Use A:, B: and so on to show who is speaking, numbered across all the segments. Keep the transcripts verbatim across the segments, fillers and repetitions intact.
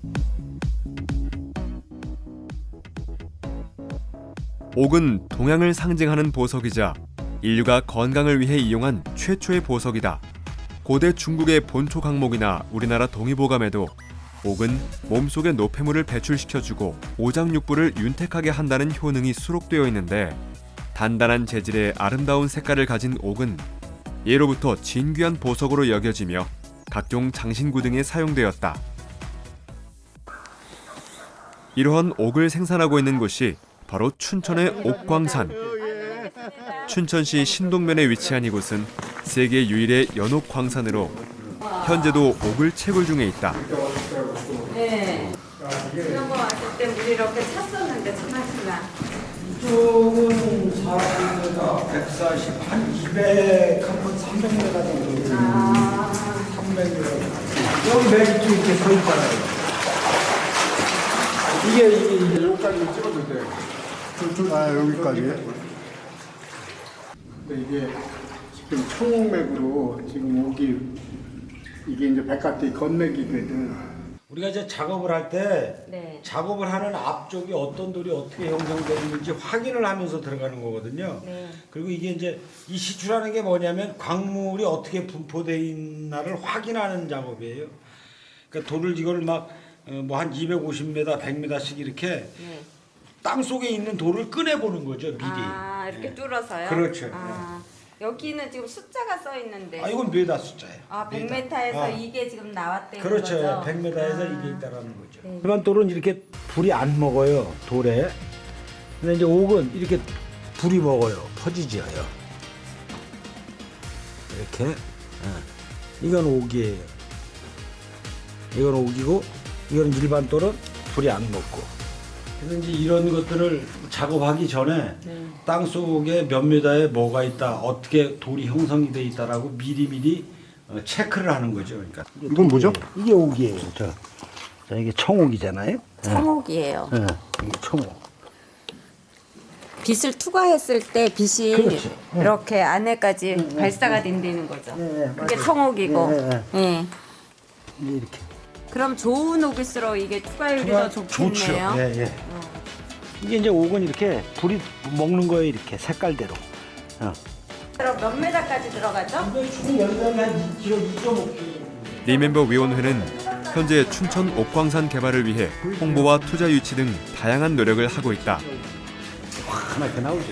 A: 옥은 동양을 상징하는 보석이자 인류가 건강을 위해 이용한 최초의 보석이다. 고대 중국의 본초 강목이나 우리나라 동의보감에도 옥은 몸속의 노폐물을 배출시켜주고 오장육부를 윤택하게 한다는 효능이 수록되어 있는데, 단단한 재질의 아름다운 색깔을 가진 옥은 예로부터 진귀한 보석으로 여겨지며 각종 장신구 등에 사용되었다. 이러한 옥을 생산하고 있는 곳이 바로 춘천의 옥광산. 춘천시 신동면에 위치한 이곳은 세계 유일의 연옥 광산으로 현재도 옥을 채굴 중에 있다.
B: 네. 지난번 왔을 때 우리 이렇게 찼었는데 참았구나.
C: 이쪽은 사십 미터, 백사십, 한 이백, 한 번 삼백 미터 정도.
B: 아.
C: 삼백 미터. 여기 맨 이쪽 이렇게 서 있잖아요. 이게, 이게, 이게 여기까지 찍어도 돼. 저쪽, 아, 여기까지. 근데 이게 지금 청홍맥으로 지금 옥이, 이게 이제 백가티 건맥이거든.
D: 우리가 이제 작업을 할 때
B: 네.
D: 작업을 하는 앞쪽이 어떤 돌이 어떻게 형성되는지 확인을 하면서 들어가는 거거든요.
B: 네.
D: 그리고 이게 이제 이 시추라는 게 뭐냐면 광물이 어떻게 분포되어 있나를 확인하는 작업이에요. 그러니까 돌을 이걸 막 뭐 한 이백오십 미터, 백 미터씩 이렇게
B: 네.
D: 땅 속에 있는 돌을 꺼내 보는 거죠, 미리.
B: 아, 이렇게
D: 예.
B: 뚫어서요?
D: 그렇죠.
B: 아, 여기는 지금 숫자가 써 있는데.
D: 아, 이건 메다 숫자예요.
B: 아, 백
D: 메다.
B: 미터에서
D: 아.
B: 이게 지금 나왔대요.
D: 그렇죠.
B: 거죠?
D: 백 미터에서
B: 아.
D: 이게 있다라는 거죠.
B: 네.
D: 일반 돌은 이렇게 불이 안 먹어요, 돌에. 근데 이제 옥은 이렇게 불이 먹어요, 퍼지지어요. 이렇게. 예. 이건 옥이에요. 이건 옥이고, 이건 일반 돌은 불이 안 먹고. 그래서 이제 이런 것들을 작업하기 전에
B: 네.
D: 땅 속에 몇 미터에 뭐가 있다, 어떻게 돌이 형성이 돼 있다라고 미리미리 어, 체크를 하는 거죠. 그러니까
C: 이건 뭐죠?
D: 이게 옥이에요. 저, 저 이게 청옥이잖아요.
B: 청옥이에요.
D: 예, 이게 청옥.
B: 빛을 투과했을 때 빛이
D: 그렇죠.
B: 이렇게 안에까지 발사가 된다는 거죠.
D: 네,
B: 그게
D: 맞아요.
B: 청옥이고.
D: 네, 네.
B: 예.
D: 이게 이렇게.
B: 그럼 좋은 옥일수록 이게 투과율이 더 좋겠네요.
D: 예, 예. 이게 이제 옥은 이렇게 불이 먹는 거예요, 이렇게 색깔대로. 어.
B: 그럼 몇 메다까지 들어가죠?
D: 총 연장이 한 이 킬로그램, 이 점 오 킬로그램.
A: 리멤버 위원회는 현재 춘천 옥광산 개발을 위해 홍보와 투자 유치 등 다양한 노력을 하고 있다.
D: 하나씩 나오죠.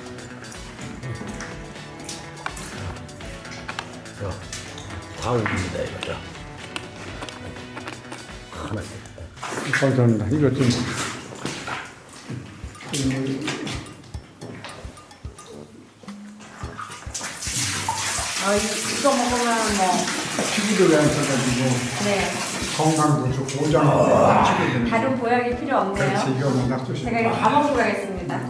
D: 다음입니다, 이거죠. 하나씩.
C: 감사합니다. 이거 좀.
B: 아, 이- 이거 먹으면 뭐.
C: 피부도 괜찮아가지고
B: 네.
C: 건강도 좋고 오장도 치게
B: 다른 보약이 필요 없네요.
C: 그렇지, 이거 워낙 좋시.
B: 제가 이거 다 먹고 가겠습니다.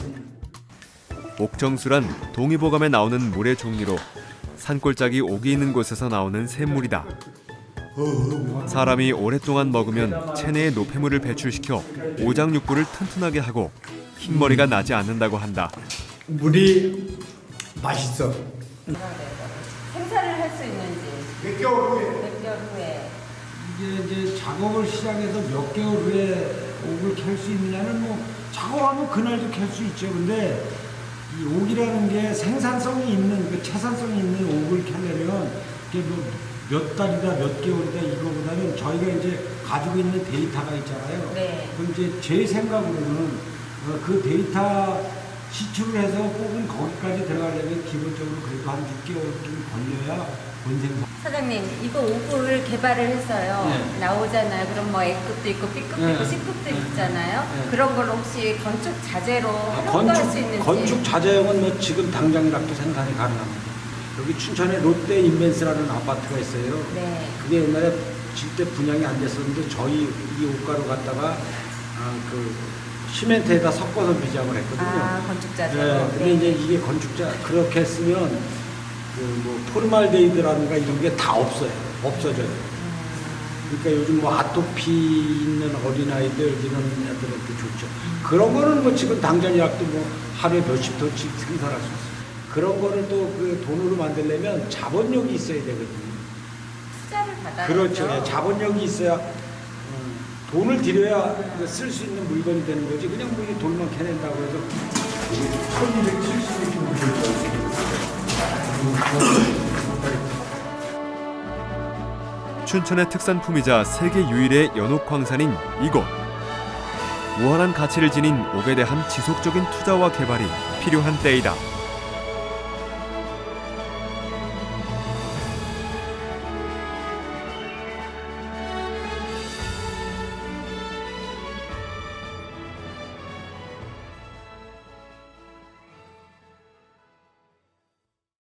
A: 옥정수란 동의보감에 나오는 물의 종류로 산골짜기 옥이 있는 곳에서 나오는 샘물이다. 사람이 오랫동안 먹으면 체내의 노폐물을 배출시켜 오장육부를 튼튼하게 하고 흰머리가 나지 않는다고 한다.
C: 물이 맛있어.
B: 생산을 할 수 있는지
C: 몇 개월 후에.
B: 몇 개월 후에.
D: 이게 이제 작업을 시작해서 몇 개월 후에 옥을 캘 수 있느냐는 뭐 작업하면 그날도 캘 수 있죠. 근데 이 옥이라는 게 생산성이 있는, 그 채산성이 있는 옥을 캐려면 이게 뭐 몇 달이다, 몇 개월이다 이거보다는 저희가 이제 가지고 있는 데이터가 있잖아요.
B: 네.
D: 그럼 이제 제 생각으로는 어, 그 데이터 시출을 해서 뽑은 거기까지 들어가려면 기본적으로 그래도 한 육 개월쯤 걸려야 본생산.
B: 사장님, 이거 옥을 개발을 했어요.
D: 네.
B: 나오잖아요. 그럼 뭐 A급도 있고 B급도
D: 네.
B: 있고 C급도 있잖아요.
D: 네.
B: 그런 걸 혹시 건축 자재로 활용도 할 수 있는지.
D: 건축 자재용은 뭐 지금 당장이라도 생산이 가능합니다. 여기 춘천에 롯데 인벤스라는 아파트가 있어요.
B: 네.
D: 그게 옛날에 질때 분양이 안 됐었는데 저희 이 옷가루 갖다가 아, 그 시멘트에다 섞어서 미장을 했거든요.
B: 아, 건축 자재로.
D: 네, 근데
B: 네.
D: 이제 이게 건축자 그렇게 했으면 그 뭐 포르말데히드라든가 이런 게 다 없어요. 없어져요. 그러니까 요즘 뭐 아토피 있는 어린아이들 이런 애들한테 좋죠. 그런 거는 뭐 지금 당장이라도 뭐 하루에 몇십 톤씩 생산할 수 있어요. 그런 거를 또 그 돈으로 만들려면 자본력이 있어야 되거든요.
B: 투자를 받아야
D: 그렇죠. 예, 자본력이 있어야 음, 돈을 들여야 쓸 수 있는 물건이 되는 거지. 그냥 뭐 이 돌만 캐낸다고 해서
C: 천이백칠십이 킬로미터
A: 춘천의 특산품이자 세계 유일의 연옥 광산인 이곳. 무한한 가치를 지닌 옥에 대한 지속적인 투자와 개발이 필요한 때이다.